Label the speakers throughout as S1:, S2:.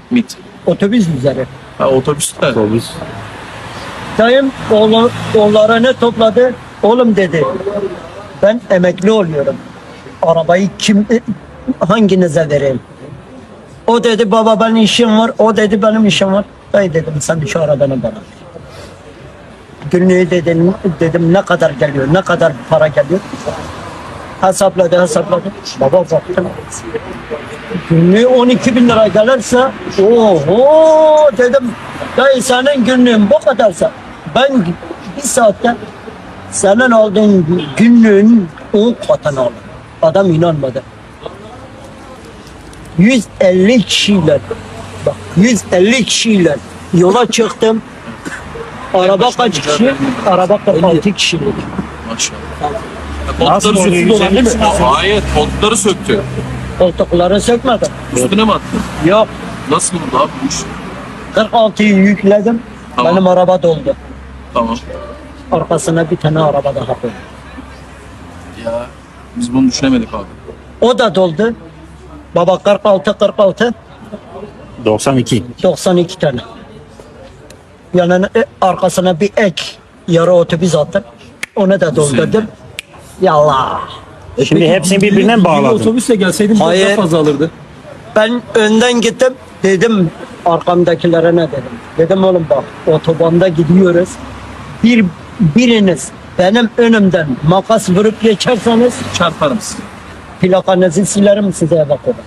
S1: MİT.
S2: Otobüs üzeri.
S1: Ha, otobüste.
S3: Otobüs.
S2: Dayım oğullarını topladı. Oğlum dedi, ben emekli oluyorum. Arabayı hanginize vereyim? O dedi baba benim işim var. O dedi benim işim var. Dayı dedim sen şu arabanı bana ver. Günlüğü dedim ne kadar geliyor, ne kadar para geliyor. Hesapladı. Baba baktım. Günlüğü 12.000 lira gelirse oho dedim. Dayı senin günlüğün bu kadarsa ben bir saatte senin aldığın günlüğün 10 katını aldım. Adam inanmadı. 150 kişiyle bak 150 kişiyle yola çıktım. Araba kaç kişi? Araba 46 kişilik.
S1: Maşallah.
S3: Nasıl
S1: Koltukları
S3: oluyor?
S1: söktü.
S3: 150 mi?
S1: Hayır, koltukları söktü.
S2: Koltukları sökmedim.
S1: Üstüne mi attı?
S2: Yok.
S1: Nasıl oldu abi bu iş?
S2: 46'yı yükledim.
S1: Tamam.
S2: Benim araba doldu.
S1: Tamam.
S2: Arkasına bir tane araba daha koydum.
S1: Ya biz bunu düşünemedik abi.
S2: O da doldu. Baba 46
S3: 92.
S2: 92 tane. Yani arkasına bir ek yarı otobüs attım. Onu da doldurdum. Yallah.
S3: Şimdi hepsini birbirine mi bağladın?
S4: Otobüsle gelseydin biraz
S2: Hayır.
S4: daha fazla alırdı.
S2: Ben önden gittim. Dedim arkamdakilere ne dedim. Dedim oğlum bak otobanda gidiyoruz. Biriniz benim önümden makas vurup geçerseniz
S1: Çarparım sizi.
S2: plakanızı silerim size eve koyarım.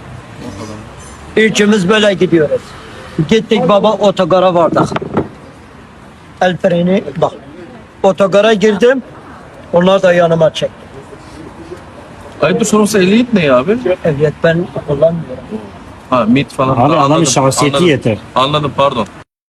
S2: Üçümüz böyle gidiyoruz. Gittik baba otogara vardık. El freni bak. Otogara girdim. Onlar da yanıma çekti.
S1: Ayıptır sorması ehliyet ne ya abi?
S2: Evet ben kullanmıyorum.
S1: Ha MİT falan.
S3: Abi adamın
S1: Anladım,
S3: şahsiyeti
S1: anladım.
S3: yeter.
S1: Anladım pardon.